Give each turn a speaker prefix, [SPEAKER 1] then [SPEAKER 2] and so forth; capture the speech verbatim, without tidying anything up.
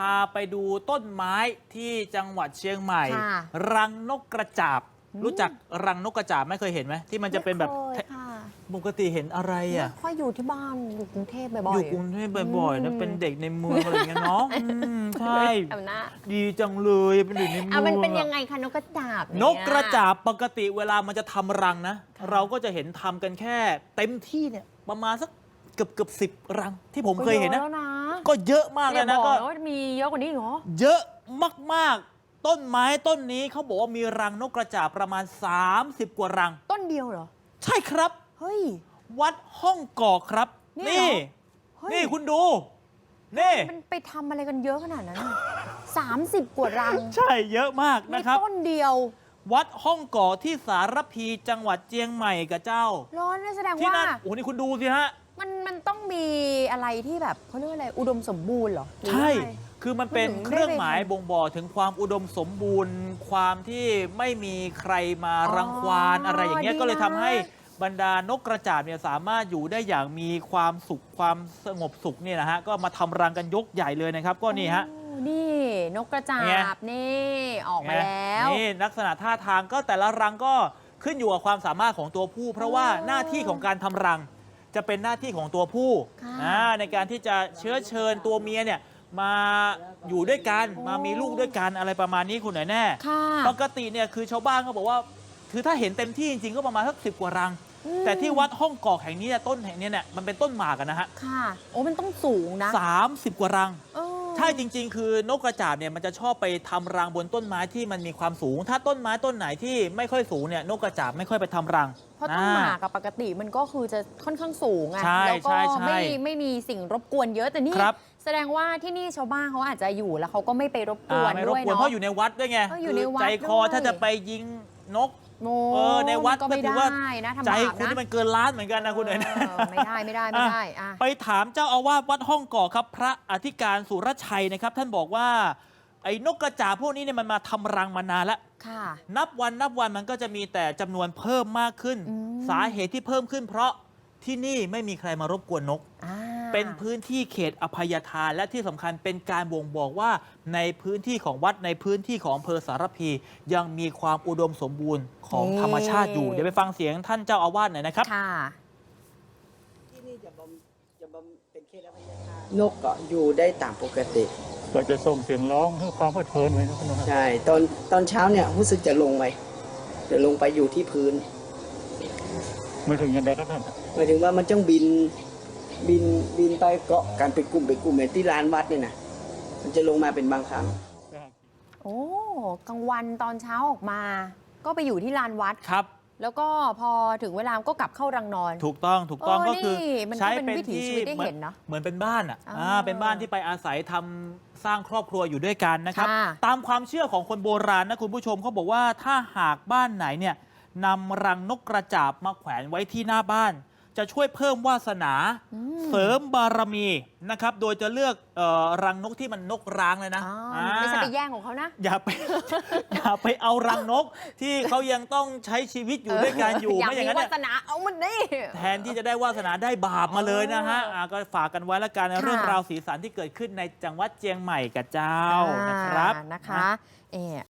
[SPEAKER 1] าไปดูต้นไม้ที่จังหวัดเชียงใหม่
[SPEAKER 2] ค่ะ
[SPEAKER 1] รังนกกระจาบ
[SPEAKER 2] อืม
[SPEAKER 1] รู้จักรังนกกระจาบไหม่เคยเห็นไหมที่มันจะเป็นแบบ
[SPEAKER 2] ไม่เคยค่ะ
[SPEAKER 1] ปกติเห็นอะไรอ่ะ
[SPEAKER 2] ไม่ค่อยอยู่ที่บ้านอยู่กรุงเทพบ่อยๆ
[SPEAKER 1] อยู่กรุงเทพบ่อยๆ
[SPEAKER 2] อื
[SPEAKER 1] นะ
[SPEAKER 2] ม
[SPEAKER 1] เป็นเด็กในเมืองอะไรอย่างเงี้ยเนาะอืมใช่
[SPEAKER 2] ทำหน้า
[SPEAKER 1] ดีจังเลยเป็นเด็กในเมื
[SPEAKER 2] อ่ะ
[SPEAKER 1] อง
[SPEAKER 2] มันเป็น
[SPEAKER 1] อะ
[SPEAKER 2] ยังไงคะนกกระจาบเย
[SPEAKER 1] นกกระจาบปกติเวลามันจะทำรังนะ
[SPEAKER 2] ค่ะ
[SPEAKER 1] เราก็จะเห็นทำกันแค่เต็มที่เนี่ยประมาณสักเกือบเกือบสิบรังที่ผมเคยเห็นนะ
[SPEAKER 2] ก็เยอะแล้วนะ
[SPEAKER 1] ก็เยอะมาก
[SPEAKER 2] อ
[SPEAKER 1] เลย
[SPEAKER 2] ย่า
[SPEAKER 1] นะ
[SPEAKER 2] บอก
[SPEAKER 1] ก็
[SPEAKER 2] นะว่ามีเยอะกว่านี้อีกเหรอ
[SPEAKER 1] เยอะมากๆ ต้นไม้ต้นนี้เขาบอกว่ามีรังนกกระจาบประมาณ สามสิบ กว่ารัง
[SPEAKER 2] ต้นเดียวเหรอ
[SPEAKER 1] ใช่ครับ
[SPEAKER 2] เฮ้ย
[SPEAKER 1] วัดห้องกอกครับ
[SPEAKER 2] เนี่ยเหรอ
[SPEAKER 1] นี่
[SPEAKER 2] เฮ้ย
[SPEAKER 1] นี่คุณดู นี่
[SPEAKER 2] มันไปทำอะไรกันเยอะขนาดนั้นสามสิบกว่ารัง
[SPEAKER 1] ใช่เยอะมาก
[SPEAKER 2] นี่
[SPEAKER 1] นะครับ
[SPEAKER 2] ต้นเดียว
[SPEAKER 1] วัดห้องกอกที่สารพีจังหวัดเจียงใหม่กับเจ้า
[SPEAKER 2] ร้อนนะแสดง
[SPEAKER 1] ที่
[SPEAKER 2] ว่า
[SPEAKER 1] นั่นโอ้โหนี่คุณดูสิฮะ
[SPEAKER 2] มันมันต้องมีอะไรที่แบบเขาเรียกว่าอะไรอุดมสมบูรณ์เหรอหรือ
[SPEAKER 1] ใช่
[SPEAKER 2] ยังไง
[SPEAKER 1] คือมันเป็น
[SPEAKER 2] ถึงได้
[SPEAKER 1] เครื่องหมาย
[SPEAKER 2] ไปทำ
[SPEAKER 1] บ่งบอกถึงความอุดมสมบูรณ์ ความที่ไม่มีใครมารังควาน
[SPEAKER 2] อ๋ออ
[SPEAKER 1] อะไรอย่างเงี้ย
[SPEAKER 2] ดี
[SPEAKER 1] ก็เลยทำ
[SPEAKER 2] นะ
[SPEAKER 1] ให้บรรดานกกระจาบเนี่ยสามารถอยู่ได้อย่างมีความสุขความสงบสุขเนี่ยนะฮะก็มาทำรังกันยกใหญ่เลยนะครับ ก็นี่ฮะ
[SPEAKER 2] โอ้นี่นกกระจา
[SPEAKER 1] ไง
[SPEAKER 2] บนี่ออกมาแล้ว
[SPEAKER 1] นี่ลักษณะท่าทางก็แต่ละรังก็ขึ้นอยู่กับความสามารถของตัวผู้ เพราะว่า
[SPEAKER 2] อ๋อ
[SPEAKER 1] หน้าที่ของการทำรังจะเป็นหน้าที่ของตัวผู้
[SPEAKER 2] ค่ะ
[SPEAKER 1] อ่าในการที่จะเชื้อเชิญตัวเมียเนี่ยมาอยู่ด้วยกันมามีลูกด้วยกันอะไรประมาณนี้คุณหน่อยแน่
[SPEAKER 2] ค่ะ
[SPEAKER 1] ปกติเนี่ยคือชาวบ้านเขาบอกว่าคือถ้าเห็นเต็มที่จริงๆก็ประมาณสักสิบกว่ารัง
[SPEAKER 2] อืม
[SPEAKER 1] แต่ที่วัดห้องกอกแห่งนี้เนี่ยต้นแห่งนี้เนี่ยมันเป็นต้นหมากอะนะฮะ
[SPEAKER 2] ค่ะ โอ้มันต้องสูงนะ
[SPEAKER 1] สามสิบกว่ารัง
[SPEAKER 2] เออ
[SPEAKER 1] ใช่จริง ๆ คือนกกระจาบเนี่ยมันจะชอบไปทำรังบนต้นไม้ที่มันมีความสูง ถ้าต้นไม้ต้นไหนที่ไม่ค่อยสูงเนี่ยนกกระจาบไม่ค่อยไปทำรัง
[SPEAKER 2] เพราะต้นหมากกับปกติมันก็คือจะค่อนข้างสูงไง
[SPEAKER 1] ใช่
[SPEAKER 2] แล้วก็
[SPEAKER 1] ใช่ใช่
[SPEAKER 2] ไม่ไม่มีสิ่งรบกวนเยอะแต่นี่
[SPEAKER 1] ครับ
[SPEAKER 2] แสดงว่าที่นี่ชาวบ้านเขาอาจจะอยู่แล้วเขาก็ไม่ไปรบก
[SPEAKER 1] อ่า
[SPEAKER 2] วน
[SPEAKER 1] ไม่รบ
[SPEAKER 2] ด้วย
[SPEAKER 1] กวน
[SPEAKER 2] เนาะ
[SPEAKER 1] เพราะอยู่ในวัดด้วยไง
[SPEAKER 2] เอออยู่ในวัด
[SPEAKER 1] ใจคอ
[SPEAKER 2] ด้วย
[SPEAKER 1] ถ้าจะไปยิงนก
[SPEAKER 2] โม
[SPEAKER 1] เออในวัด
[SPEAKER 2] ก็ไม่
[SPEAKER 1] ก็ถือว่า
[SPEAKER 2] ได้นะทำ
[SPEAKER 1] ใจ
[SPEAKER 2] บาป
[SPEAKER 1] คุณ
[SPEAKER 2] นะ
[SPEAKER 1] นี่มันเกินล้านเหมือนกันนะคุณเอ๋ยนะ
[SPEAKER 2] เออไม่ได้ไม่ได้ไม่ได้อ่ะ
[SPEAKER 1] ไปถามเจ้าอาวาสวัดห้องกอกครับ พระอธิการสุรชัยนะครับ ท่านบอกว่าไอ้นกกระจาบพวกนี้เนี่ยมันมาทำรังมานานแล้ว
[SPEAKER 2] ค่ะ
[SPEAKER 1] นับวันนับวันมันก็จะมีแต่จำนวนเพิ่มมากขึ้น
[SPEAKER 2] อืม
[SPEAKER 1] สาเหตุที่เพิ่มขึ้นเพราะที่นี่ไม่มีใครมารบกวนนก
[SPEAKER 2] อ่า
[SPEAKER 1] เป็นพื้นที่เขตอภัยทานและที่สำคัญเป็นการบ่งบอกว่าในพื้นที่ของวัดในพื้นที่ของอำเภอสารพี ยังมีความอุดมสมบูรณ์ของธรรมชาติอยู่ เดี๋ยวไปฟังเสียงท่านเจ้าอาวาสหน่อยนะครับ
[SPEAKER 2] ค่ะ
[SPEAKER 3] ที่นี่จะบำจะบำเป็นเขตอภัยทานนกก็อยู่ได้ตามปกติ
[SPEAKER 4] ก็จะส่งเสียงร้องเพื่อความเพลิดเพลินไว้นะคุณนะครับ
[SPEAKER 3] ใช่ตอนตอนเช้าเนี่ยรู้สึกจะลงไปจะลงไปอยู่ที่พื้น
[SPEAKER 4] ไม่ถึงยังไงครับท่าน
[SPEAKER 3] หมายถึงว่ามันจ้องบินบินบินไปเกาะกันเป็นกลุ่มเป็นกลุ่มเหมือนที่ลานวัดเนี่ยนะมันจะลงมาเป็นบางครั้ง
[SPEAKER 2] โอ้กลางวันตอนเช้าออกมา ก็ไปอยู่ที่ลานวัด
[SPEAKER 1] ครับ
[SPEAKER 2] แล้วก็พอถึงเวลาก็กลับเข้ารังนอน
[SPEAKER 1] ถูกต้องถูกต้อง
[SPEAKER 2] เออ
[SPEAKER 1] ก็คือ
[SPEAKER 2] นี่มันก็
[SPEAKER 1] ใช้
[SPEAKER 2] เป็น
[SPEAKER 1] เป็น
[SPEAKER 2] วิถี
[SPEAKER 1] ที่
[SPEAKER 2] ชีวิตได้
[SPEAKER 1] เหมือ
[SPEAKER 2] เห็นเนอะ
[SPEAKER 1] เหมือนเป็นบ้านอ่ะ
[SPEAKER 2] อ่า
[SPEAKER 1] อ่าเป็นบ้านที่ไปอาศัยทำสร้างครอบครัวอยู่ด้วยกันนะครับ
[SPEAKER 2] ค่ะ
[SPEAKER 1] ตามความเชื่อของคนโบราณนะคุณผู้ชมเขาบอกว่าถ้าหากบ้านไหนเนี่ยนำรังนกกระจาบมาแขวนไว้ที่หน้าบ้าน จะช่วยเพิ่มวาสนา
[SPEAKER 2] อืม
[SPEAKER 1] เสริมบารมีนะครับ โดยจะเลือกเออรังนกที่มันนกร้างเลยนะ
[SPEAKER 2] อ๋อ
[SPEAKER 1] อ่า
[SPEAKER 2] ไม่ใช่ไปแย่งของเขานะ
[SPEAKER 1] อย่าไป อย่าไปเอารังนกที่เขายังต้องใช้ชีวิตอยู่ด้วยกันอยู่
[SPEAKER 2] อยาก
[SPEAKER 1] ไม่อย่าง
[SPEAKER 2] มี
[SPEAKER 1] นั้น
[SPEAKER 2] วา
[SPEAKER 1] เนี่ย
[SPEAKER 2] สนาเอามันนี่
[SPEAKER 1] แทนที่จะได้วาสนาได้บาปมาเลยนะฮะอ่าก็ฝากกันไว้ละกัน
[SPEAKER 2] ค่ะ
[SPEAKER 1] เรื่องราวสีสันที่เกิดขึ้นในจังหวัดเจียงใหม่กับเจ้านะครับ
[SPEAKER 2] อ่านะคะเออ